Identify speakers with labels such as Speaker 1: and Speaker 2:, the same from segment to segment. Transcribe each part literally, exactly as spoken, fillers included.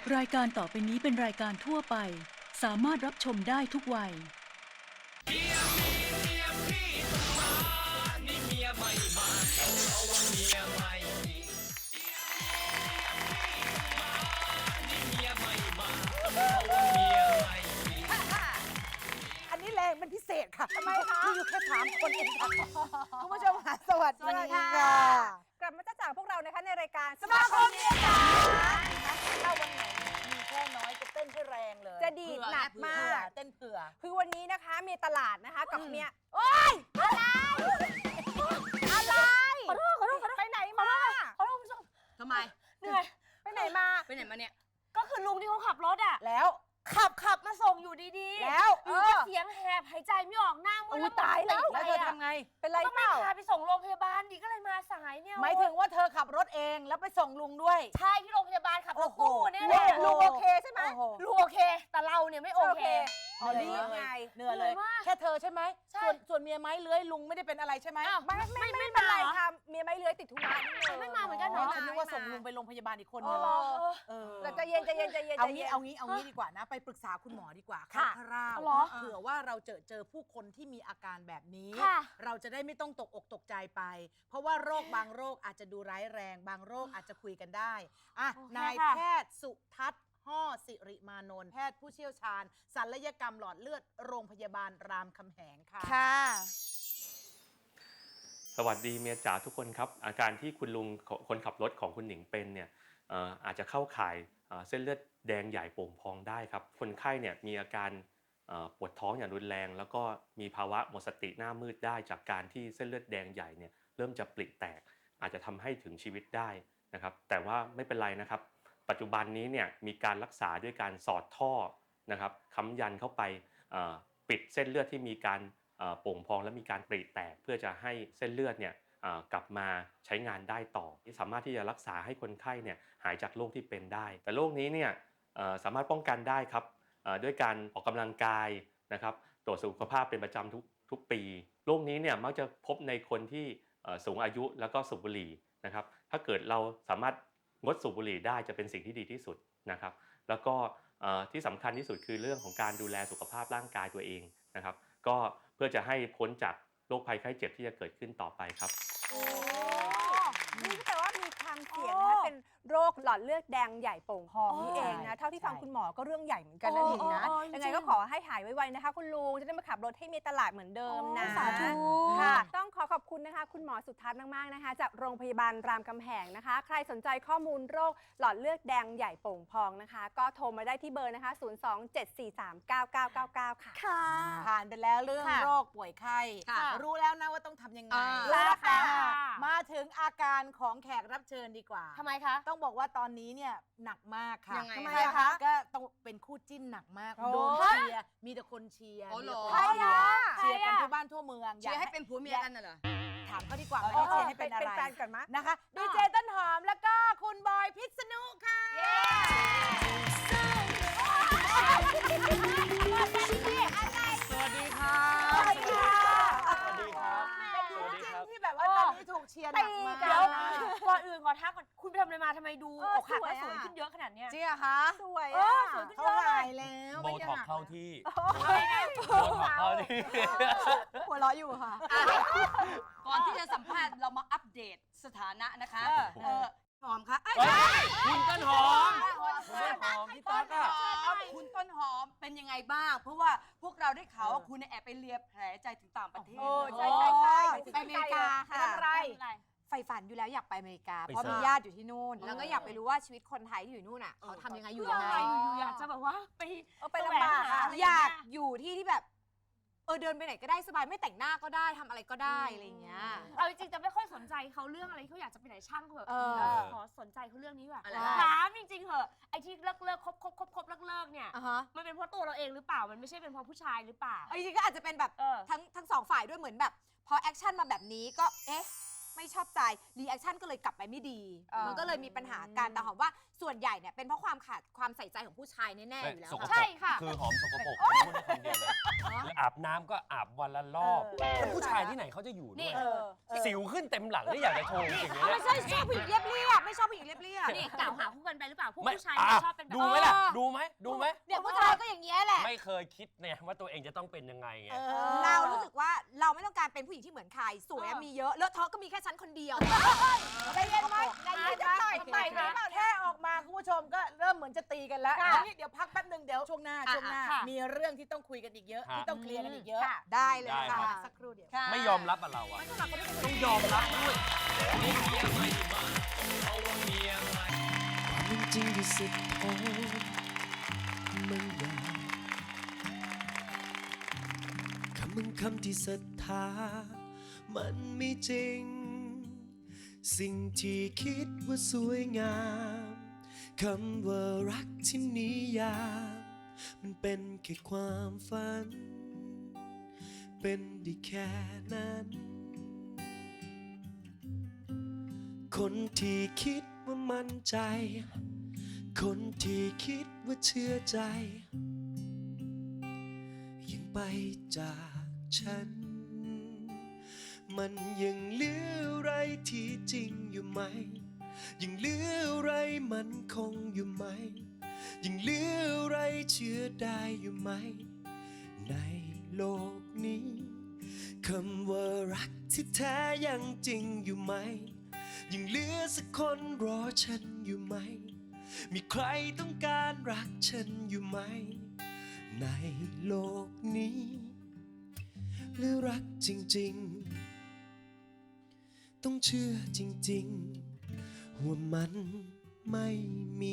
Speaker 1: รายการต่อไปนี้เป็นรายการทั่วไปสามารถรับชมได้ทุกวัย
Speaker 2: เมียมีเมียพี่ต้องมานี่เมียไม่มาเพราะว่าเมียไม่มีนี่เมียไม่มาเพราะว่าเมียไม่มี
Speaker 3: อันนี้แรงเป็นพิเศษค่ะทำไมคะมีอยู่แค่สามคนเองค่ะคุณผู้ชมค่ะสวัสดีค่ะกลับมาจ้าจากพวกเรานะคะในรายการสมาคมเมียจ๋าถ้าวันไหนมีแค่น้อยจะเต้นให้แรงเลยจะดีดหนักมากเต้นเผื่อคือวันนี้นะคะมีตลาดนะคะกับเมียโอ๊ยอะไรอะไรขอโทษขอโทษขอโทษไปไหนมาขอโทษคุณผู้ชม
Speaker 4: ทำไม
Speaker 3: เหนื่อยไปไหนมา
Speaker 4: ไปไหนมาเนี่ย
Speaker 3: ก็คือลุงที่เขาขับรถอ่ะ
Speaker 4: แล้ว
Speaker 3: ขับขับมาส่งอยู่ดีๆแล้วอยู่ก็เสียงแหบหายใจไม่ออกหน้ามืด
Speaker 4: ตายแล้วแล้วเธอทำไง
Speaker 3: เป็นไรเปล่าก็ไม่พาไปส่งโรงพยาบาลดิก็เลยมาสายเนี่ย
Speaker 4: หมายถึงว่าเธอขับรถเองแล้วไปส่งลุงด้วย
Speaker 3: ใช่ที่โรงพยาบาลขับรถตู้เนี่ยแหละลุงโอเคใช่ไหมลุงโอเคแต่เราเนี่ยไม่โอเค
Speaker 4: เหนื่อยไงเหนื่อยเลยแค่เธอใช่ไหมส่วนส่วนเมียไม้เลื้อยลุงไม่ได้เป็นอะไรใช่ไหม
Speaker 3: ไม่ไม่ไม่เป็นไรค่ะเมียไม้เลื้อยติดธุระนิดนึง
Speaker 4: ไม่มาเหมือนกันเนาะฉันนึกว่าส่งลุงไปโรงพยาบาลอีกคนนึง
Speaker 3: เราจะเย็นจะเย็นจะเย็น
Speaker 4: เอางี้เอางี้เอางี้ดีกว่านะไปปรึกษาคุณหมอดีกว่าค่ะคร่าวๆเผื่อว่าเราเจอเจอผู้คนที่มีอาการแบบนี้เราจะได้ไม่ต้องตกอกตกใจไป เพราะว่าโรคบางโรคอาจจะดูร้ายแรงบางโรคอาจจะคุยกันได้อ่ะนายแพทย์สุทัศน์ห่อสิริมานนท์แพทย์ผู้เชี่ยวชาญศัลยกรรมหลอดเลือดโรงพยาบาลรามคำแหงค่ะ
Speaker 3: ค่ะ
Speaker 5: สวัสดีเมียจ๋าทุกคนครับอาการที่คุณลุงคนขับรถของคุณหนิงเป็นเนี่ยอาจจะเข้าข่ายเส้นเลือดแดงใหญ่โป่งพองได้ครับคนไข้เนี่ยมีอาการปวดท้องอย่างรุนแรงแล้วก็มีภาวะหมดสติหน้ามืดได้จากการที่เส้นเลือดแดงใหญ่เนี่ยเริ่มจะปริแตกอาจจะทำให้ถึงชีวิตได้นะครับแต่ว่าไม่เป็นไรนะครับปัจจุบันนี้เนี่ยมีการรักษาด้วยการสอดท่อนะครับค้ำยันเข้าไปปิดเส้นเลือดที่มีการโป่งพองและมีการปริแตกเพื่อจะให้เส้นเลือดเนี่ยกลับมาใช้งานได้ต่อที่สามารถที่จะรักษาให้คนไข้เนี่ยหายจากโรคที่เป็นได้แต่โรคนี้เนี่ยสามารถป้องกันได้ครับด้วยการออกกำลังกายนะครับตรวจสุขภาพเป็นประจำทุกทุกปีโรคนี้เนี่ยมักจะพบในคนที่สูงอายุแล้วก็สูบบุหรี่นะครับถ้าเกิดเราสามารถงดสูบบุหรี่ได้จะเป็นสิ่งที่ดีที่สุดนะครับแล้วก็ที่สำคัญที่สุดคือเรื่องของการดูแลสุขภาพร่างกายตัวเองนะครับก็เพื่อจะให้พ้นจากโรคภัยไข้เจ็บที่จะเกิดขึ้นต่อไปครับ
Speaker 3: โอ้นี่ก็แปลว่ามีความเสี่ยงนะเป็นโรคหลอดเลือดแดงใหญ่โป่งพองนี่เองนะเท่าที่ฟังคุณหมอก็เรื่องใหญ่เหมือนกันนะหนิงนะยังไงก็ขอให้หายไวๆนะคะคุณลุงจะได้มาขับรถให้มีตลาดเหมือนเดิมนะสาธุค่ะต้องขอขอบคุณนะคะคุณหมอสุทัศน์มากๆนะคะจากโรงพยาบาลรามคำแหงนะคะใครสนใจข้อมูลโรคหลอดเลือดแดงใหญ่โป่งพองนะคะก็โทรมาได้ที่เบอร์นะคะศูนย์ สอง เจ็ด สี่ สาม เก้า เก้า เก้า เก้าค่ะ
Speaker 4: ค่ะผ่านไปแล้วเรื่องโรคป่วยไข้รู้แล้วนะว่าต้องทำยังไง
Speaker 3: แล้วค่ะ
Speaker 4: มาถึงอาการของแขกรับเชิญดีกว่า
Speaker 3: ทำไมคะ
Speaker 4: ต้องบอกว่าตอนนี้เนี่ยหนักมากค่ะ
Speaker 3: ทำไมคะ
Speaker 4: ก็ต้องเป็นคู่จิ้นหนักมากโดนเชียร์มีแต่คนเชียร์
Speaker 3: ใครอะ
Speaker 4: เชียร์กันทั่วบ้านทั่วเมือง
Speaker 3: เชียร์ให้เป็นผัวเมียกันน่ะเหรอ
Speaker 4: ถามเขาดีกว่าไม่ได้เชียร์ให้เป็นอะไร
Speaker 3: เป็นแฟนกันมั้ย
Speaker 4: นะคะดีเจต้นหอมแล้วก็คุณบอยพิษณุค่ะ
Speaker 5: สวัสดีค่ะ
Speaker 4: สวัสดีค่ะ
Speaker 5: สวัสดีครับ
Speaker 4: เป็นคู่จิ้นที่แบบว่าตอนนี้ถูกเชียร์หนักมาก
Speaker 3: เดี๋ยวก่อนอื่นขอทักก่อนคุณไปทำอะไรมาทำไมดูอกหักและสวยขึ้นเยอะขนาดเนี้ย
Speaker 4: จริงเหรอคะ
Speaker 3: สวย
Speaker 4: สวยขึ้นเยอะเขาหายแล้ว
Speaker 5: โบท็อกเข้าที่
Speaker 3: โบท็อก
Speaker 5: เข้าที่
Speaker 3: หัวเราะอยู่ค่ะ
Speaker 4: ก่อนที่จะสัมภาษณ์เรามาอัปเดตสถานะนะคะเออหอมคะ
Speaker 5: คุณต้นหอมคุณต้นหอมพี่ตั๊กอะ
Speaker 4: คุณต้นหอมเป็นยังไงบ้างเพราะว่าพวกเราได้ข่าวว่าคุณแอบไปเลียแผลใจถึงต่างประเทศ
Speaker 3: ใช่ใช่ใช่
Speaker 4: ไปอเมริกาค่ะ
Speaker 3: ทำไร
Speaker 6: ใฝ่ฝันอยู่แล้วอยากไปอเมริกาเพราะมีญาติอยู่ที่นู่นแล้วก็อยากไปรู้ว่าชีวิตคนไทยที่อยู่นู่นอ่ะเขาทำยังไงอยู่ยังไง
Speaker 3: อยากจะแบบว่าไป
Speaker 6: ไปลำบากอยากอยู่ที่ที่แบบเออเดินไปไหนก็ได้สบายไม่แต่งหน้าก็ได้ทำอะไรก็ได้อะไรอย่างเงี้ย
Speaker 3: เอาจริงๆจะไม่ค่อยสนใจเขาเรื่องอะไรเขาอยากจะไปไหนช่างเขาแบบขอสนใจเขาเรื่องนี้ว่ะถามจริงๆเหอะไอ้ที่เลิกเลิกคบคบคบคบเลิกเลิกเนี่ยมันเป็นเพราะตัวเราเองหรือเปล่ามันไม่ใช่เป็นเพราะผู้ชายหรือเปล่า
Speaker 6: จริงๆก็อาจจะเป็นแบบทั้งทั้งสองฝ่ายด้วยเหมือนแบบพอแอคชั่นมาแบบนี้ก็เอ๊ะไม่ชอบใจรีแอคชั่นก็เลยกลับไปไม่ดี
Speaker 3: เออ
Speaker 6: มันก็เลยมีปัญหากันแต่หอมว่าส่วนใหญ่เนี่ยเป็นเพราะความขาดความใส่ใจของผู้ชายแน่ๆอยู่แล้ว
Speaker 7: สกปร
Speaker 6: ค่ะ
Speaker 7: ก
Speaker 6: ค่ะ
Speaker 7: คือหอมสกปรกผมพูดได้คำเดียวเลยแล้วอาบน้ำก็อาบวันละรอบแล้วผู้ชายที่ไหนเขาจะอยู่ด้วย
Speaker 3: เออเออ
Speaker 7: สิวขึ้นเต็มหลังนี่อยากจะโชว์จริงๆ
Speaker 6: เอา
Speaker 7: เนี่
Speaker 6: ไม่
Speaker 7: ย
Speaker 6: ใช่ชอบผู้หญิงเรียบเรียบไม่ชอบผู้หญิงเรียบเรียบ
Speaker 8: นี่กล่าวหาคู่กันไปหรือเปล่าพวก
Speaker 7: ไม่
Speaker 8: ผู้ชาย
Speaker 7: อ่ะ
Speaker 8: เนี่ยชอบเป็นแบบ
Speaker 7: ดูไหมล่ะ
Speaker 6: เออ
Speaker 7: ดูไหมดูไหม
Speaker 6: เนี่ยผู้ชายก็อย่างเงี้ยแหละ
Speaker 7: ไม่เคยคิดเนี่ยว่าตัวเองจะต้องเป็นยังไงไง
Speaker 6: เรารู้สึกว่าเราไม่ต้องการเป็นผู้หญิงที่เหมือนใครสวยอะมีเยอะเลอะเทอะก็มีแค่ฉันคนเดียว
Speaker 3: ใจเย็นไหมใจเย็นไหม
Speaker 4: ไปนะแค่ออกมาคุณผู้ชมก็เริ่มเหมือนจะตีกันแล้ว
Speaker 6: ค่ะ
Speaker 4: เอางี้เดี๋ยวพักแป๊บหนึ่งเดี๋ยวช่วงหน้า
Speaker 6: อ่ะ
Speaker 4: ช่วงหน้า
Speaker 6: ค่ะ
Speaker 4: มีเรื่องที่ต้องคุยกันอีกเยอะ
Speaker 7: ครับ
Speaker 4: ที่ต้องเคลียร์กันอีกเยอะ
Speaker 3: ค่ะ
Speaker 6: ได้เลย
Speaker 7: ได้
Speaker 6: ค่ะ
Speaker 7: ครับ
Speaker 4: สักครู่เดียว
Speaker 7: ไม่ยอมรับอะเราอะต้องยอมรับด้วย
Speaker 2: นี่เมียไม่มาเอาว่าเมียใหม่
Speaker 9: ความจริงที่สุดท้ายมันยากคำมึงคำที่ศรัทธามันไม่จริง สิ่งที่คิดว่าสวยงามคำว่ารักที่นิยามมันเป็นแค่ความฝัน เป็นได้แค่นั้น คนที่คิดว่ามั่นใจ คนที่คิดว่าเชื่อใจ ยังไปจากฉัน มันยังเหลืออะไรที่จริงอยู่ไหม ยังเหลืออะไรมันคงอยู่ไหม ยังเหลืออะไรเชื่อได้อยู่ไหม ในโลกนี้คำว่ารักที่แท้ยังจริงอยู่ไหม ยังเหลือสักคนรอฉันอยู่ไหม มีใครต้องการรักฉันอยู่ไหม ในโลกนี้ หรือรักจริงๆ ต้องเชื่อจริงๆ ว่ามันไม่มี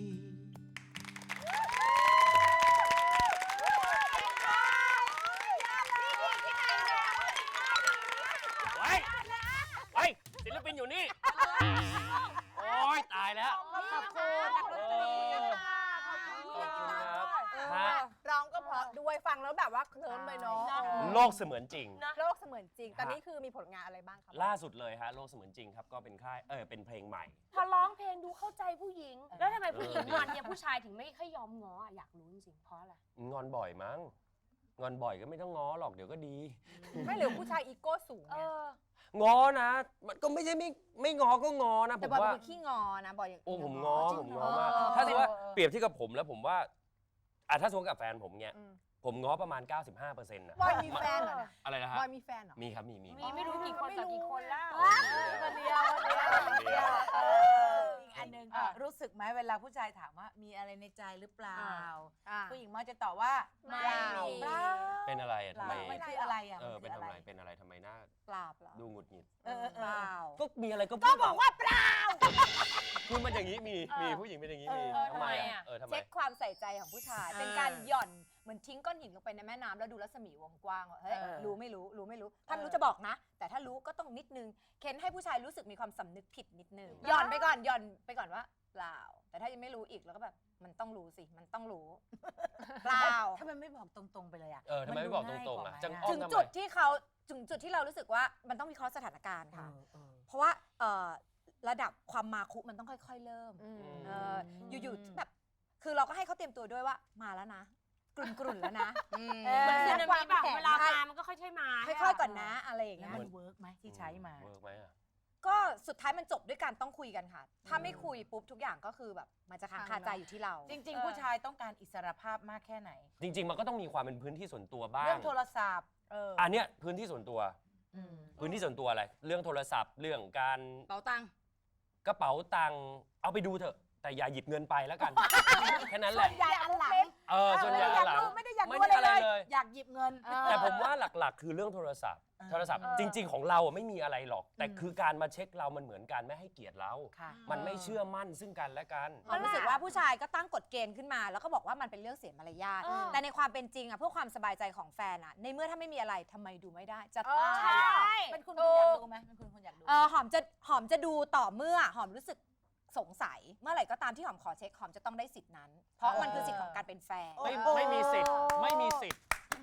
Speaker 7: ไว้ไว้ศิลปินอยู่นี่ โอ๊ย ตายแล้ว
Speaker 3: ขอบคุณ
Speaker 7: เออขอบคุณครับ ฮะ
Speaker 3: ร้องก็เพราะด้วยฟังแล้วแบบว่าเคลิ้มเลยเนาะ
Speaker 7: โลกเสมือนจริง
Speaker 3: โลกเสมือนจริง ตอนนี้คือมีผลงานอะไรบ้างครับ
Speaker 7: ล่าสุดเลยฮะ โลกเสมือนจริงครับ ก็เป็นค่าย เออ เป็นเพลงใหม่
Speaker 8: พอร้องเพลงดูเข้าใจผู้หญิง แล้วทำไมผู้หญิง
Speaker 7: เออ
Speaker 8: งอนเนี่ยผู้ชายถึงไม่ค่อยยอมง้ออะอยากรู้จริงๆเพราะอะไร
Speaker 7: งอนบ่อยมั้ง งอนบ่อยก็ไม่ต้องง้อหรอก เดี๋ยวก็ดี
Speaker 3: ไม่หรือผู้ชายอีโก้สูง
Speaker 8: เอ
Speaker 3: ไง
Speaker 8: อ
Speaker 7: ง้อนะ มันก็ไม่ใช่ไม่ไม่ง้อก็ง้อนะผ
Speaker 3: แต่
Speaker 7: ม
Speaker 3: บอยเป็
Speaker 7: ว่า
Speaker 3: นคนขี้งอนะบอยอย่าง
Speaker 7: โอ้ผมง้อผมง้อมาก
Speaker 3: เออ
Speaker 7: ถ้าสมมติว่า
Speaker 3: เออเออ
Speaker 7: เปรียบเที่กับผมแล้วผมว่าอ่ะถ้าสมมติกับแฟนผมเนี่ย
Speaker 3: อืม
Speaker 7: ผมง้อประมาณ เก้าสิบห้าเปอร์เซ็นต์นะ
Speaker 3: บอยมีแฟนเหรอนะ
Speaker 7: อะไรนะฮะ
Speaker 3: บอยมีแฟนเหรอ
Speaker 7: มีครับ มีมี
Speaker 8: มีไม่รู้กี่คนต่อกี่คนแล้ว
Speaker 3: คนเดียวคนเดียว
Speaker 4: เอออีกอันหนึ่งรู้สึกไหมเวลาผู้ชายถามว่ามีอะไรในใจหรือเปล่า
Speaker 3: อ่า
Speaker 4: ผู้หญิงมักจะตอบว่า
Speaker 8: ไม่มี
Speaker 4: เปล่า
Speaker 7: เป็นอะไรอ่ะทำไม
Speaker 4: มันคืออะไรอ่ะ
Speaker 7: เออ
Speaker 4: มั
Speaker 7: เป็น
Speaker 4: คื
Speaker 7: ทำไมเป็นอะไรทำไมหน้า
Speaker 3: เปล่าเปล่า
Speaker 7: ดูหงุดหงิด
Speaker 4: เออเออเอ
Speaker 3: เป
Speaker 4: อ
Speaker 3: ล่า
Speaker 7: ก็มีอะไรก็
Speaker 3: ก็บอกว่าเปล่า
Speaker 7: คือมันอย่างนี้มี
Speaker 8: เออ
Speaker 7: มีผู้หญิงเป็นอย่างนี้มี
Speaker 8: เออ
Speaker 7: ทำไม
Speaker 8: ทำไม
Speaker 7: อ่ะ
Speaker 8: อ่ะ
Speaker 7: เออทำไม
Speaker 6: เช็คความใส่ใจของผู้ชาย เป็นการหย่อนเหมือนทิ้งก้อนหินลงไปในแม่น้ำแล้วดูรัศมีวงกว้างว่าเฮ้ย
Speaker 4: เออ
Speaker 6: รู้ไม่รู้รู้ไม่รู้ ถ้าไม่รู้
Speaker 4: เออ
Speaker 6: จะบอกนะ แต่ถ้ารู้ก็ต้องนิดนึงเค้นให้ผู้ชายรู้สึกมีความสำนึกผิดนิดนึงหย่อนไปก่อนหย่อนไปก่อนว่าเปล่า แต่ถ้ายังไม่รู้อีกแล้วก็แบบมันต้องรู้สิมันต้องรู้ เปล่า
Speaker 4: ถ้ามันไม่บอกตรงๆไปเลยอ่ะ
Speaker 7: เออทำไมไม่บอกตรงๆอ่ะจังอ้อ
Speaker 6: ถึ
Speaker 7: ม
Speaker 6: ง
Speaker 7: ทำไม
Speaker 6: จุดที่เขาถึงจุดที่เรารู้สึกว่ามันต้องวิเคราะห์สถานการณ์
Speaker 4: เอ
Speaker 6: ค่ะ
Speaker 4: อเออ
Speaker 6: เพราะว่าเอ่อระดับความมาคุมันต้องค่อย ๆ เริ่ม
Speaker 3: อืม
Speaker 6: เอออยู่ๆแบบคือเราก็ให้เขาเตรียมตัวด้วยว่ามาแล้วนะ กลุ่นๆแล้วนะเออ
Speaker 8: มันคือ
Speaker 6: แล้
Speaker 8: นา
Speaker 6: ควา
Speaker 8: มิ
Speaker 6: ม
Speaker 8: แบบ
Speaker 6: แข็ง
Speaker 8: เวลามามันก็ค่อยๆมา
Speaker 6: ค่อยๆก่อนนะอะไรอย่าง
Speaker 4: แล้ว
Speaker 6: เงี้ย
Speaker 4: มันเวิร์กไหมที่ใช้มา
Speaker 7: เวิร์กไหมอ่ะ
Speaker 6: ก็สุดท้ายมันจบด้วยการต้องคุยกันค่ะ ถ้าไม่คุยปุ๊บทุกอย่างก็คือแบบมันจะค้างคาใจอยู่ที่เรา
Speaker 4: จริง ๆ ผู้ชายต้องการอิสรภาพมากแค่ไหน
Speaker 7: จริง ๆ มันก็ต้องมีความเป็นพื้นที่ส่วนตัวบ้าง
Speaker 4: เรื่องโทรศัพท์เออ
Speaker 7: อันเนี้ยพื้นที่ส่วนตัว
Speaker 4: อืม
Speaker 7: พื้นที่ส่วนตัวอะไร เรื่องโทรศัพท์ เรื่องการ
Speaker 6: เป๋าตังค์
Speaker 7: กระเป๋าตังค์เอาไปดูเถอะ แต่อย่าหยิบเงินไปแล้วกัน แค่นั้นแหละ
Speaker 3: ใหญ่อันหลัง
Speaker 7: เออส่วนใหญ่
Speaker 3: อยาก
Speaker 7: หลัง
Speaker 3: ดูไม่ได้อยากดู
Speaker 7: ไม่ได้
Speaker 3: อะไร
Speaker 7: อะไร
Speaker 3: เล
Speaker 7: เลย ย
Speaker 4: อยากหยิบเงิน
Speaker 7: แต่ผมว่าหลักๆ คือเรื่องโทรศัพท์
Speaker 4: เออ
Speaker 7: โทรศัพท์
Speaker 8: เออ
Speaker 7: จริง ๆ ของเราอะไม่มีอะไรหรอก แต่คือการมาเช็คเรามันเหมือนการไม่ให้เกียรติเรา
Speaker 4: ค่ะ
Speaker 7: มันไม่เชื่อมั่นซึ่งกันและกัน
Speaker 6: เรารู้สึกว่าผู้ชายก็ตั้งกฎเกณฑ์ขึ้นมา แล้วก็บอกว่ามันเป็นเรื่องเสียมารยาท
Speaker 8: เออ
Speaker 6: แต่ในความเป็นจริงอะเพื่อความสบายใจของแฟนอะในเมื่อถ้าไม่มีอะไรทำไมดูไม่ได้จะ
Speaker 3: เออ
Speaker 6: ตาย
Speaker 8: ใช่
Speaker 4: เป็นคุณคุณอยากดูไหมเป็นคุณคุณอยากดู
Speaker 6: เออหอมจะหอมจะดูต่อเมื่อหอมรู้สึกสงสัย เมื่อไหร่ก็ตามที่หอมขอเช็คหอมจะต้องได้สิทธินั้น เพราะมันคือสิทธิ์ของการเป็นแฟน
Speaker 7: ไม่ไม่มีสิทธิ์ไม่มีสิทธิ์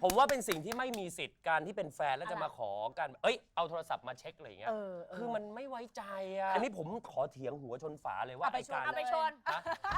Speaker 7: ผมว่าเป็นสิ่งที่ไม่มีสิทธิ์การที่เป็นแฟนแล้วจะมาขอกัน เอ้ยเอาโทรศัพท์มาเช็คอะไรอย่างเงี้ย
Speaker 6: เออเออ
Speaker 7: คือมันไม่ไว้ใจอ่ะ อันนี้ผมขอเถียงหัวชนฝาเลยว่า
Speaker 6: เอาไป
Speaker 7: ไอ้การ
Speaker 6: ชนเอาไปชน
Speaker 7: ฮะ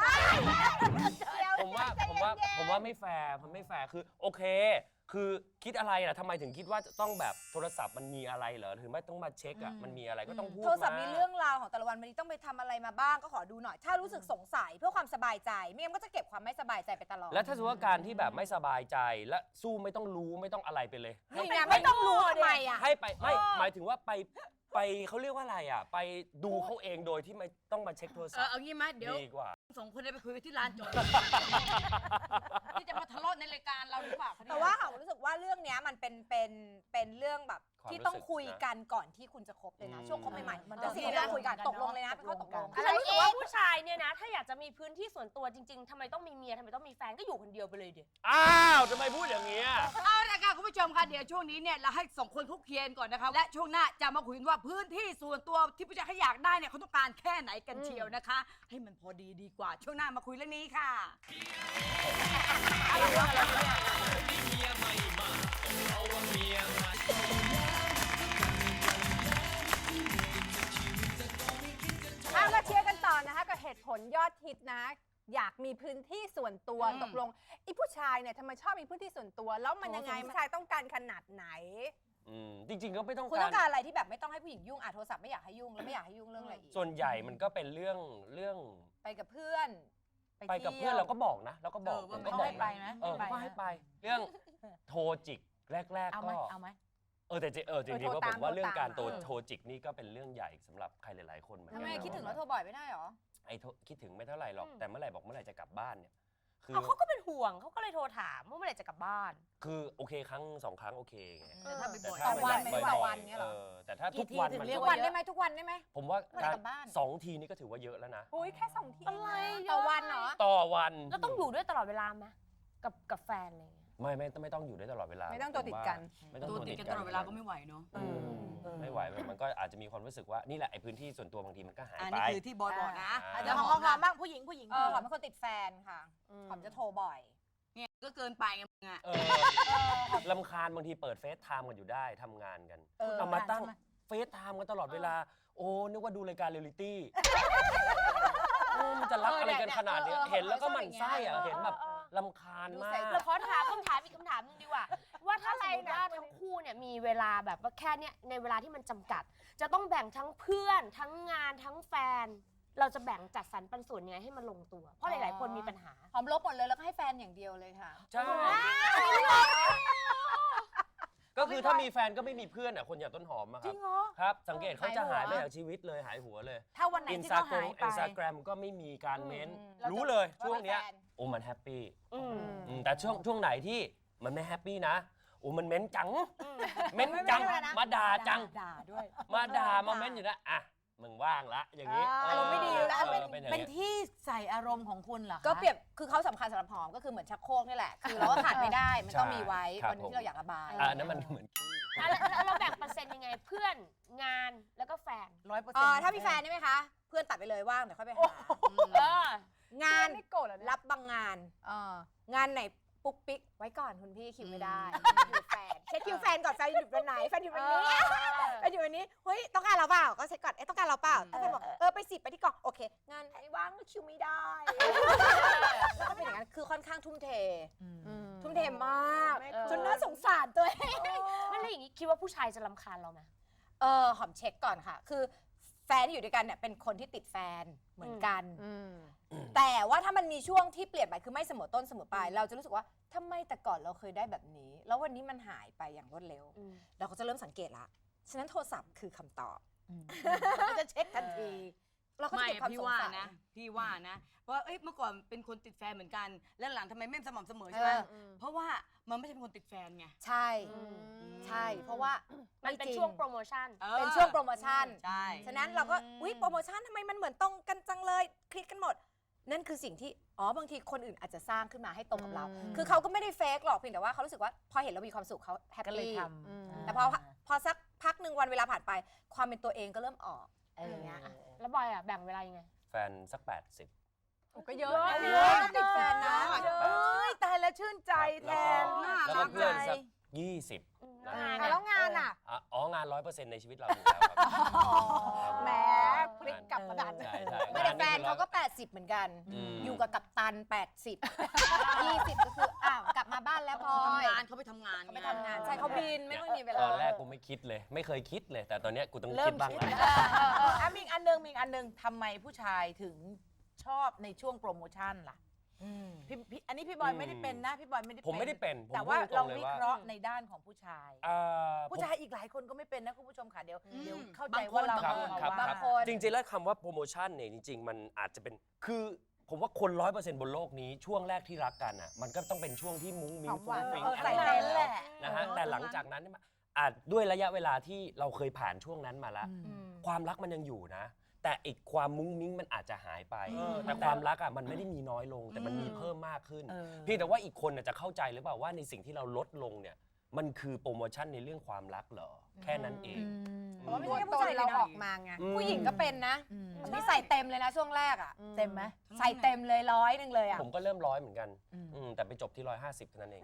Speaker 7: ผมว่าผมว่าผมว่าไม่แฟร์มันไม่แฟร์คือโอเค คือคิดอะไรล่ะทำไมถึงคิดว่าจะต้องแบบโทรศัพท์มันมีอะไรเหรอถึงไม่ต้องมาเช็คอ่ะมันมีอะไรก็ต้องพูด
Speaker 6: โทรศัพท์
Speaker 7: า
Speaker 6: มีเรื่องราวของแต่ละวันวันนี้ต้องไปทำอะไรมาบ้างก็ขอดูหน่อย ถ้ารู้สึกสงสัยเพื่อความสบายใจไม่งั้นก็จะเก็บความไม่สบายใจไปตลอด
Speaker 7: แล้วถ้าสมมติว่าการที่แบบไม่สบายใจและสู้ไม่ต้องรู้ไม่ต้องอะไรไปเลย
Speaker 6: นี่ไงไม่ต้องรู้ทำไมอ่ะ
Speaker 7: ให้ไปไม่หมายถึงว่าไปไปเขาเรียกว่าอะไรอ่ะ ไปดูเขาเองโดยที่ไม่ต้องมาเช็คโทรศัพ
Speaker 10: เออ
Speaker 7: ท์
Speaker 10: เอางี้ไหมเดี๋ยว
Speaker 7: ดีกว่า
Speaker 10: สองคนได้ไปคุยกันที่ร้านโจทย์ ที่จะมาทะเลาะในรายการเราหรือเปล่าคะเนี่ย
Speaker 6: แต่ว่าเขารู้สึกว่าเรื่องเนี้ยมันเป็นเป็นเป็นเรื่องแบบ
Speaker 7: ความ
Speaker 6: ที่ต้อง
Speaker 7: รู้สึก
Speaker 6: คุย
Speaker 7: นะ
Speaker 6: กันก่อนที่คุณจะคบเลยนะ
Speaker 7: อืม
Speaker 6: ช่วงคบใหม่ๆ
Speaker 8: มัน
Speaker 6: แต่สิ่งที่เราคุยกันตกลงเลยนะเป็นข้อตกลง
Speaker 8: ฉันรู้สึกว่าผู้ชายเนี่ยนะ ถ้าอยากจะมีพื้นที่ส่วนตัวจริงๆทำไมต้องมีเมียทำไมต้องมีแฟนก็อยู่คนเดียวไปเลยเดี๋ยว
Speaker 7: อ้าวทำไมพูดอย่างนี้ย
Speaker 10: เอาละค่ะคุณผู้ชมค่ะเดี๋ยวช่วงนี้เนี่ยเราให้สองคนคุกเคียนก่อนนะคะและช่วงหน้าจะมาคุยกันว่าพื้นที่ส่วนตัวที่ผู้ชายเขาอยากได้เนี่ยเขาต้องการแค่ไหนกันเชียวนะคะ ให้มันพอดีดีกว่าช่วงหน้ามาคุยเรื่องนี้ค่ะ
Speaker 3: เอาละเชียร์กันต่อนะคะกับเหตุผลยอดฮิตนะ อยากมีพื้นที่ส่วนตัว
Speaker 10: อืม
Speaker 3: ตกลงไอ้ผู้ชายเนี่ยทำไมชอบมีพื้นที่ส่วนตัว แล้วมันยังไงผู้ชายต้องการขนาดไหน
Speaker 7: อืมจริง ๆ ก็ไม่ต้อง
Speaker 6: คุณ
Speaker 7: กา
Speaker 6: ต้
Speaker 7: ร
Speaker 6: องการอะไรที่แบบไม่ต้องให้ผู้หญิงยุ่งอ่ะโทรศัพท์ไม่อยากให้ยุ่งแล้วไม่อยากให้ยุ่งเรื่องอะไรอีก
Speaker 7: ส่วนใหญ่มันก็เป็นเรื่องเรื่อง
Speaker 6: ไปกับเพื่อน
Speaker 7: ไปกับเพื่อนเราก็บอกนะเราก็บอก
Speaker 10: เออว่า
Speaker 7: ก็
Speaker 10: เขา
Speaker 7: บอก
Speaker 10: ให้ไปนะ
Speaker 7: เออ
Speaker 10: ให้ไป
Speaker 7: ก็ให้ไป เรื่องโทรจิกแรก
Speaker 10: เอา
Speaker 7: ๆ
Speaker 10: ไหม
Speaker 7: ก็
Speaker 10: เอาไหม
Speaker 7: เออแต่จริงเออจริง
Speaker 3: เออ
Speaker 7: ๆ
Speaker 3: โทร
Speaker 7: ว่าผ
Speaker 3: ตาม
Speaker 7: มว่าเรื่องการ
Speaker 3: โทร
Speaker 7: โทร
Speaker 3: ตาม
Speaker 7: โทรจิกนี่ก็เป็นเรื่องใหญ่สำหรับใครหลายๆคนเหมือนกั
Speaker 6: ทำ
Speaker 7: น
Speaker 6: ไม
Speaker 7: นะ
Speaker 6: คิดถึงแล้วโทรบ่อยไม่ได้หรอ
Speaker 7: ไอ้โทรคิดถึงไม่เท่าไหร่หรอก
Speaker 8: อืม
Speaker 7: แต่เมื่อไหร่บอกเมื่อไหร่จะกลับบ้านเนี่ยคือ
Speaker 8: เอาเขาก็เป็นห่วงเขาก็เลยโทรถามว่าเมื่อไหร่จะกลับบ้าน
Speaker 7: คือโอเคครั้งสองครั้งโอเคไง
Speaker 10: แต่ถ้าไปบ่อย
Speaker 7: แต่ถ้า
Speaker 6: ต่อวัน
Speaker 7: ไม่
Speaker 6: ไม่
Speaker 7: บ่
Speaker 6: ต่
Speaker 7: อ
Speaker 6: อวัน
Speaker 7: ย
Speaker 6: เงี้ยเหรอ
Speaker 7: อแต่ถ้า
Speaker 10: กี่
Speaker 7: ทุก
Speaker 10: ที
Speaker 7: วัน
Speaker 10: ถึง
Speaker 7: มัน
Speaker 10: เรีย
Speaker 6: ทุ
Speaker 10: ก
Speaker 6: ก
Speaker 10: ว่า
Speaker 6: วันได้ไหมทุกวันได้ไหม
Speaker 7: ผมว่า
Speaker 6: เมื่อไหร่
Speaker 7: การ
Speaker 6: กลับบ้าน
Speaker 7: สองทีนี่ก็ถือว่าเยอะแล้วนะ
Speaker 3: อุ้ยแค่สองที
Speaker 8: อะไร
Speaker 3: นะ
Speaker 6: ต่อวันเหรอ
Speaker 7: ต่อวัน
Speaker 8: แล้วต้องอยู่ด้วยตลอดเวลาไหมกับกับแฟนอะไรอย่างเงี้ย
Speaker 7: ไม่ไม่ไม่ต้องอยู่ได้ตลอดเวลา
Speaker 3: ไม่ต้องตัวติดกัน
Speaker 7: ไม่ต้อง
Speaker 10: ตัว
Speaker 7: ตัว
Speaker 10: ติ
Speaker 7: ติ
Speaker 10: ด
Speaker 7: ด
Speaker 10: กั
Speaker 7: กัน น
Speaker 10: ตลอดเวลาก็ไม่ไหวเนาะ
Speaker 7: อืมไม่ไหวมันก็อาจจะมีความรู้สึกว่านี่แหละไอ้พื้นที่ส่วนตัวบางทีมันก็หาย
Speaker 10: อัน
Speaker 7: ไป
Speaker 10: นี้คือที่บอยบอกนะ
Speaker 7: อ่า
Speaker 6: เดี๋ยวของหอมๆบ้างผู้หญิงผู้หญิงเออหอมเป็นคนติดแฟนค่ะหอมจะโทรบ่อย
Speaker 10: เนี่ยก็เกินไปไงมึงอะ
Speaker 7: เออลำคาญบางทีเปิดเฟซไทม์กันอยู่ได้ทำงานกัน
Speaker 6: เออ
Speaker 7: เอามาตั้งเฟซไทม์กันตลอดเวลา โอ้นึกว่าดูรายการเรียลลิตี้โอ้มันจะรักอะไรกันขนาดเนี้ยเห็นแล้วก็หมั่นไส้อะเห็นแบบลำคาญมาก
Speaker 8: เราขอถามคำถามอีกคำถามหนึงดีกว่า ว่าถ้าสมมติว่าทั้งคู่เนี่ยมีเวลาแบบว่าแค่เนี้ยในเวลาที่มันจำกัด จะต้องแบ่งทั้งเพื่อน ทั้งงานทั้งแฟน เราจะแบ่งจัดสรรปันส่วนยังไงให้มันลงตัว เพราะหลายๆคนมีปัญหา
Speaker 6: หอมลบหมดเลยแล้วก็ให้แฟนอย่างเดียวเลยค่ะ
Speaker 7: ใช่ ก็คือถ้ามีแฟนก็ไม่มีเพื่อนอ่ะคนอย่างต้นหอมอะครับ
Speaker 6: จริงเหรอ
Speaker 7: ครับ สังเกตเขาจะหายไป
Speaker 6: หายหัว
Speaker 7: จากชีวิตเลยหายหัวเลย
Speaker 10: ถ้าวันไหน
Speaker 7: อิน
Speaker 10: ที่
Speaker 7: สตา
Speaker 10: เขา
Speaker 7: แกร
Speaker 10: หาม ยไป
Speaker 7: อินสตาแกรมก็ไม่มีการเม้น
Speaker 6: เราจะ
Speaker 7: รู้เลย
Speaker 6: ว่า
Speaker 7: ช่วงเนี้ย
Speaker 6: เป็นแฟน
Speaker 7: โอ้มันแฮปปี้
Speaker 8: อืม
Speaker 7: อืมแต่ช่วงช่วงไหนที่มันไม่แฮปปี้นะโอ้มันเม้นจัง เม้นจัง
Speaker 6: ไม่เป็นไรนะ
Speaker 7: มาด่าจัง
Speaker 10: ด่าด้วย
Speaker 7: มาด่ามาเม้นอยู่นะอ่ะมึงว่างละอย่างนี้
Speaker 6: อารมณ์ไม่ดีแล้ว
Speaker 7: เออ
Speaker 6: เป็น
Speaker 7: เป็นอย่าง
Speaker 10: เป็น
Speaker 7: เงี้ย
Speaker 10: ที่ใส่อารมณ์ของคุณเหรอคะ
Speaker 6: ก็เปรียบคือเขาสำคัญสำหรับหอมก็คือเหมือนชักโครกนี่แหละ คือเราก็ขาดไม่ได้ มันต้องมีไว้
Speaker 7: ครับ
Speaker 6: วันหนึงที่เราอยากระบาย
Speaker 7: อ่ะอันนั้นมันเหมือน
Speaker 8: อ่ะแล้วแล้วเราแบ่งเปอร์เซ็นต์ยังไงเพื่อนงานแล้วก็แฟน
Speaker 10: ร้อยเปอร์
Speaker 6: เอ
Speaker 10: เซ็น
Speaker 6: อ
Speaker 10: ต์
Speaker 6: ถ้ามีแฟนได้ไหมคะ เพื่อนตัดไปเลยว่างเดี๋ยวค่อยไปหา
Speaker 8: เออ
Speaker 6: งาน
Speaker 3: ไม่โกรธเหรอเนี่ย
Speaker 6: รับบางงาน
Speaker 3: เออ
Speaker 6: งานไหนปุ๊กปิ๊กไว้ก่อนคุณพี่คิวไม่ได้อยู่แฟนเช็คคิวแฟนก่อนแฟนอยู่วันไหนแฟนอยู่วันนี้แฟนอยู่วันนี้เฮ้ยต้องการเราเปล่าก็เช็คก่อนเอ๊ะต้องการเราเปล่าถ้าแฟนบอกเออไปสิไปที่กองโอเค งานไหนว่างก็คิวไม่ได้แล้วก็เป็นอย่างนั้นคือค่อนข้างทุ่มเท ทุ่มเทมาก
Speaker 3: ไม่
Speaker 6: จนน่าสงสารตัวเอง
Speaker 8: ไม่แล้วอย่างนี้คิดว่าผู้ชายจะรำคาญเราไหม
Speaker 6: เออหอมเช็คก่อนค่ะ คือแฟนที่อยู่ด้วยกันเนี่ยเป็นคนที่ติดแฟนเหมือนกัน แต่ว่าถ้ามันมีช่วงที่เปลี่ยนไปคือไม่เสมอต้นเสมอปลายเราจะรู้สึกว่าทำไมแต่ก่อนเราเคยได้แบบนี้ แล้ววันนี้มันหายไปอย่างรวดเร็ว
Speaker 8: อืม
Speaker 6: เราก็จะเริ่มสังเกตละฉะนั้นโทรศัพท์คือคำตอบ
Speaker 10: เราจะเช็คทันที
Speaker 6: เราก็จะ
Speaker 10: ไม่
Speaker 6: เก็บความ
Speaker 10: พี่
Speaker 6: สง
Speaker 10: ว่า
Speaker 6: สัย
Speaker 10: นะ พี่ว่านะว่าเอ้ยเมื่อก่อนเป็นคนติดแฟนเหมือนกัน แล้วหลังทำไมไม่สม่ำเสมอใช่ไหม
Speaker 6: เออ
Speaker 10: เพราะว่ามันไม่ใช่เป็นคนติดแฟนไง
Speaker 6: ใช่ ใช่ เพราะว่า
Speaker 8: มันเป็นช่วงโปรโมชั่น
Speaker 10: ออ
Speaker 6: เป็นช่วงโปรโมชั่น
Speaker 10: ใช่
Speaker 6: ฉะนั้นเราก็อุ๊ยโปรโมชั่นทำไมมันเหมือนตรงกันจังเลยคลิกกันหมด นั่นคือสิ่งที่อ๋อบางทีคนอื่นอาจจะสร้างขึ้นมาให้ตรงกับเรา คือเขาก็ไม่ได้เฟกหรอกเพียงแต่ว่าเขารู้สึกว่าพอเห็นเรามีความสุขเขาแฮป
Speaker 10: ก็เลย
Speaker 6: ปี้
Speaker 10: ทำ
Speaker 6: แต่พอพอสักพักหนึ่งวันเวลาผ่านไป ความเป็นตัวเองก็เริ่มออกอะไรอย่างเงี้ย
Speaker 8: แล้วบอยอ่ะแบ่งเวลายังไง
Speaker 7: แฟนสักแปดสิบ
Speaker 3: ก็เยอะ
Speaker 6: เยอะติดแฟนนะ
Speaker 4: เอ้ยตายแล้วชื่นใจแทน
Speaker 7: แล้วก็เพื่อนสักยี่สิบนะ
Speaker 6: แล้วงานอ่ะ
Speaker 7: อ่ะอ๋องานร้อยเปอร์เซ็นต์ในชีวิตเราอยู่แล้วครับ
Speaker 6: แหมพลิกกลับกระดาน
Speaker 7: ใช่ใช่
Speaker 6: ไม่แต่แฟนเขาก็ แปดสิบ เหมือนกัน
Speaker 7: ม
Speaker 6: อยู่กับกัปตัน แปดสิบ ยี่สิบ ก็คืออ้าวกลับมาบ้านแล้วพลอ
Speaker 10: ทำ
Speaker 6: ย
Speaker 10: งานเขาไปทำงาน
Speaker 6: เขาไปทำงานใช่เขาบินไม่ค่อยมีเวลา
Speaker 7: ตอนแรกกูไม่คิดเลย ไม่เคยคิดเลย แต่ตอนเนี้ยกูต้อง
Speaker 4: เริ่
Speaker 7: คิ
Speaker 4: ม
Speaker 7: ดบ้าง
Speaker 4: คิด
Speaker 7: แล้ว
Speaker 4: เออเออเอออ่ะมีอีกอันหนึงมีอีกอันหนึงทำไมผู้ชายถึงชอบในช่วงโปรโมชั่นล่ะพี่พี่อันนี้พี่บอยไม่ได้เป็นนะพี่บอยไม่ได้
Speaker 7: ผมไม่ได้เป็นผม
Speaker 4: แต่ว่า
Speaker 7: พูดต
Speaker 4: เรา
Speaker 7: งเลย
Speaker 4: วิ
Speaker 7: ว่า
Speaker 4: เคราะห์ในด้านของผู้ชาย
Speaker 7: อ่า
Speaker 4: ผู้
Speaker 7: ผม
Speaker 4: ชายอีกหลายคนก็ไม่เป็นนะคุณผู้ชมค่ะเดี๋ยวเดี๋ยวเข้าใจ
Speaker 10: บางคน
Speaker 4: ว่าเรา
Speaker 7: ครับ
Speaker 4: เอามา
Speaker 7: ครับ
Speaker 4: ว่า
Speaker 7: ครับจริงๆแล้วคำว่าโปรโมชั่นเนี่ยจริง ๆ มันอาจจะเป็นคือผมว่าคนร้อยเปอร์เซ็นต์บนโลกนี้ช่วงแรกที่รักกันอ่ะมันก็ต้องเป็นช่วงที่มุ้งมิ้งฟุ้งฟิ้ง
Speaker 4: เออ
Speaker 7: อะไร
Speaker 4: ใส่
Speaker 7: แบบ
Speaker 4: เต็ม
Speaker 7: นั้น
Speaker 4: แหละ
Speaker 7: นะฮะแต่หลังจากนั้นเนี่ยมันอาจด้วยระยะเวลาที่เราเคยผ่านช่วงนั้นมาแล้ว ความรักมันยังอยู่นะ แต่อีกความมุ้งมิ้งมันอาจจะหายไปแต่ความรักอ่ะมันไม่ได้มีน้อยลง แต่มันมีเพิ่มมากขึ้น เพียงแต่ว่าอีกคนน่ะจะเข้าใจหรือเปล่าว่าในสิ่งที่เราลดลงเนี่ยมันคือโปรโมชั่นในเรื่องความรักเหรอแค่นั้นเอง
Speaker 6: เพราะว่าไม่ใช่แค่ผู้ชายเราออกมาไง
Speaker 7: อืม
Speaker 6: ผู้หญิงก็เป็นนะนี่ใส่เต็มเลยนะช่วงแรกอ่ะ
Speaker 4: เต็มไหม
Speaker 6: ใส่เต็มเลยร้อยหนึ่งเลยอ่ะ
Speaker 7: ผมก็เริ่มร้อยเหมือนกันอืมแต่ไปจบที่ร้อยห้าสิบเท่านั้นเอง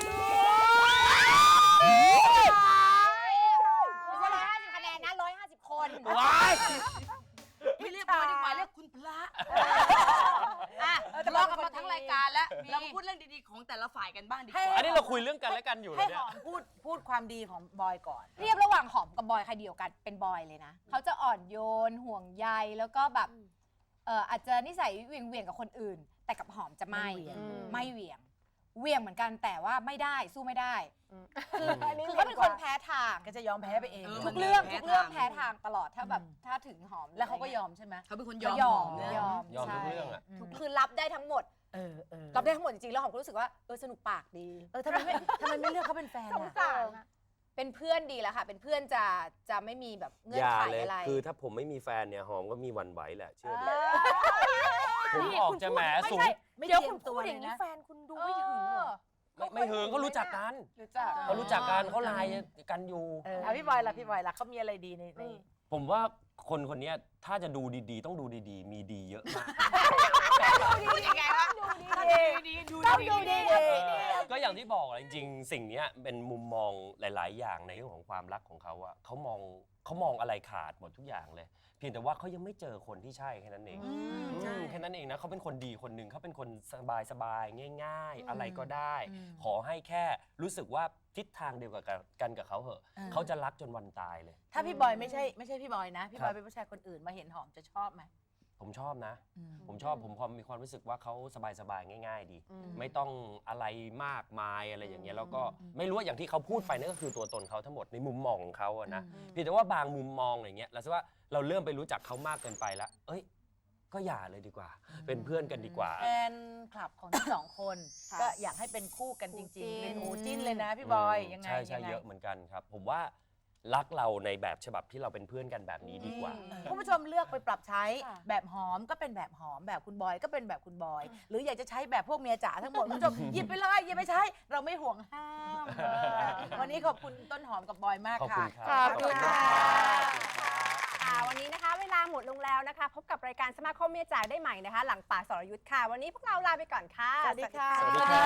Speaker 6: ไม่ใช่ร้อยห้าสิบคะแนนนะร้อยห้าสิบคน
Speaker 7: ว้าย
Speaker 10: ไม่เรียกบอยดีกว่าเรียกคุณพระอ่ะทะเลาะกันมาทั้งรายการแล้วเรามาพูดเรื่องดีๆของแต่ละฝ่ายกันบ้างดีกว่า
Speaker 7: อันนี้เราคุยเรื่องกันและกันอยู่
Speaker 4: ให้
Speaker 7: แล้ว
Speaker 4: ห
Speaker 7: เนี่ย
Speaker 4: อมพูดพูดความดีของบอยก่อน
Speaker 6: เทียบระหว่างหอมกับบอยใครเดียวกันเป็นบอยเลยนะเขาจะอ่อนโยนห่วงใยแล้วก็แบบเอออาจจะนิสัยเหวี่ยงเวียงๆกับคนอื่น แต่กับหอมจะไม่
Speaker 4: ไม่เหวี่ยง
Speaker 6: ไม่เหวี่ยงเหวี่ยงเหมือนกันแต่ว่าไม่ได้สู้ไม่ได้คือ
Speaker 4: อันนี้
Speaker 6: คือเขาเป็นคนแพ้ทาง
Speaker 4: ก็จะยอมแพ้ไปเอง
Speaker 10: เออ
Speaker 6: ทุกเรื่อง
Speaker 10: แพ้
Speaker 6: ทุกเรื่อง
Speaker 10: ทาง
Speaker 6: แพ้ทางตลอดถ้าแบบถ้าถึงหอม
Speaker 4: แล้วเขาก็ยอมใช่ไหม
Speaker 10: เขาเป็นคนย
Speaker 6: ก็
Speaker 10: อม
Speaker 6: ยอม
Speaker 10: นะ
Speaker 6: ยอม
Speaker 7: ยอมทุก
Speaker 6: ใช่
Speaker 7: เรื่องอะ
Speaker 6: ทุกคือรับได้ทั้งหมด
Speaker 4: เออเออ
Speaker 6: รับได้ทั้งหมดจริงๆแล้วหอมก็รู้สึกว่าเออสนุกปากดี
Speaker 4: เออทำไมไม่ทำไมไม่เลือกเขาเป็นแฟนอ่ะ
Speaker 6: เป็นเพื่อนดีแล้วค่ะ เป็นเพื่อนจะจะไม่มีแบบเงื่อ
Speaker 7: อน ย่า
Speaker 6: ไข
Speaker 7: เลย
Speaker 6: อะไร
Speaker 7: คือถ้าผมไม่มีแฟนเนี่ยหอมก็มีหวันไหวแหละเชื่อดิผมออกจะแหมสูง
Speaker 4: ไม่
Speaker 6: เดี๋ยว
Speaker 4: เตรีย
Speaker 6: คุ
Speaker 4: ม
Speaker 6: ณ
Speaker 4: ตั
Speaker 6: พู
Speaker 4: ว
Speaker 6: ดอ
Speaker 4: เล
Speaker 6: ย่าย งนี้
Speaker 4: นะ
Speaker 6: แฟนคุณดูไม่ถึงเหรอ
Speaker 7: ไม่ไม่เหิงเขารู้จักกัน
Speaker 6: รู้จัก
Speaker 7: เขารู้จักกันเขาไลน์กันอยู่
Speaker 4: เอออ่ะพี่บอยล่ะพี่บอยล่ะเขามีอะไรดีในใน
Speaker 7: ผมว่าคนคนเนี้ยถ้าจะดูดีๆ ต้องดูดีๆ มีดีเยอะมาก
Speaker 10: พูดยังไงวะดูดีๆดู
Speaker 6: ต้อง
Speaker 10: ดี
Speaker 6: ดู
Speaker 10: ๆ
Speaker 6: ดี
Speaker 7: ก็อย่างที่บอกอะจริงๆ สิ่งเนี้ยเป็นมุมมองหลาย ๆ อย่างในเรื่องของความรักของเขาอะเขามองเขามองอะไรขาดหมดทุกอย่างเลย เพียงแต่ว่าเขายังไม่เจอคนที่ใช่แค่นั้นเองอืมแค่นั้นเองนะเขาเป็นคนดีคนหนึ่งเขาเป็นคนสบายๆง่าย ๆ อะไรก็ได้ ขอให้แค่รู้สึกว่าทิศทางเดียวกับกันกับเขาเหอะเขาจะรักจนวันตายเลย
Speaker 4: ถ้าพี่บอยไม่ใช่ไม่ใช่พี่บอยนะ พี่บอยเป็นผู้ชายคนอื่นมาเห็นหอมจะชอบไหม
Speaker 7: ผมชอบนะ ผมชอบผมพอมีความรู้สึกว่าเขาสบายๆง่าย ๆ ดี ไม่ต้องอะไรมากมายอะไรอย่างเงี้ยแล้วก็ไม่รู้ว่าอย่างที่เขาพูดไปนั่นก็คือตัวตนเขาทั้งหมดในมุมมองของเขาอะนะเพียงแต่ว่าบางมุมมองอย่างเงี้ยเราคิดว่าเราเริ่มไปรู้จักเขามากเกินไปแล้วเอ้ยก็อย่าเลยดีกว่า เป็นเพื่อนกันดีกว่า
Speaker 4: แฟนคลับของทั้งสองคน ก็อยากให้เป็นคู่กันจริงๆ เป็นหมูจิ้นเลยนะพี่บอยยังไง
Speaker 7: ใช่ใช่
Speaker 4: ยังไง
Speaker 7: เยอะเหมือนกันครับ ผมว่ารักเราในแบบฉบับที่เราเป็นเพื่อนกันแบบนี้ดีกว่า
Speaker 4: คุณผู้ชมเลือกไปปรับใช้แบบหอมก็เป็นแบบหอมแบบคุณบอยก็เป็นแบบคุณบอย หรืออยากจะใช้แบบพวกเมียจ๋าทั้งหมดคุณผู้ชมหยิบไปเลยหยิบไปใช้ เราไม่ห่วงห้ามเออวันนี้ขอบคุณต้นหอมกับบอยมาก
Speaker 7: ขอบ
Speaker 4: ค่ะ
Speaker 7: คุณครับ
Speaker 4: ขอบคุณค่ะ
Speaker 3: ค่ะวันนี้นะคะ เวลาหมดลงแล้วนะคะ พบกับรายการสมาคมเมียจ๋าได้ใหม่นะคะ หลังป่าสรยุทธ์ค่ะ วันนี้พวกเราลาไปก่อนค่ะ
Speaker 4: สวัสดีค่ะ
Speaker 7: สวัสดีค่ะ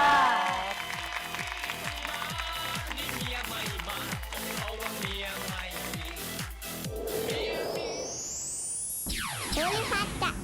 Speaker 2: นี่เมียไม่มาเพราะว่าเมียไม่มี
Speaker 11: ภูริพัฒน์จะ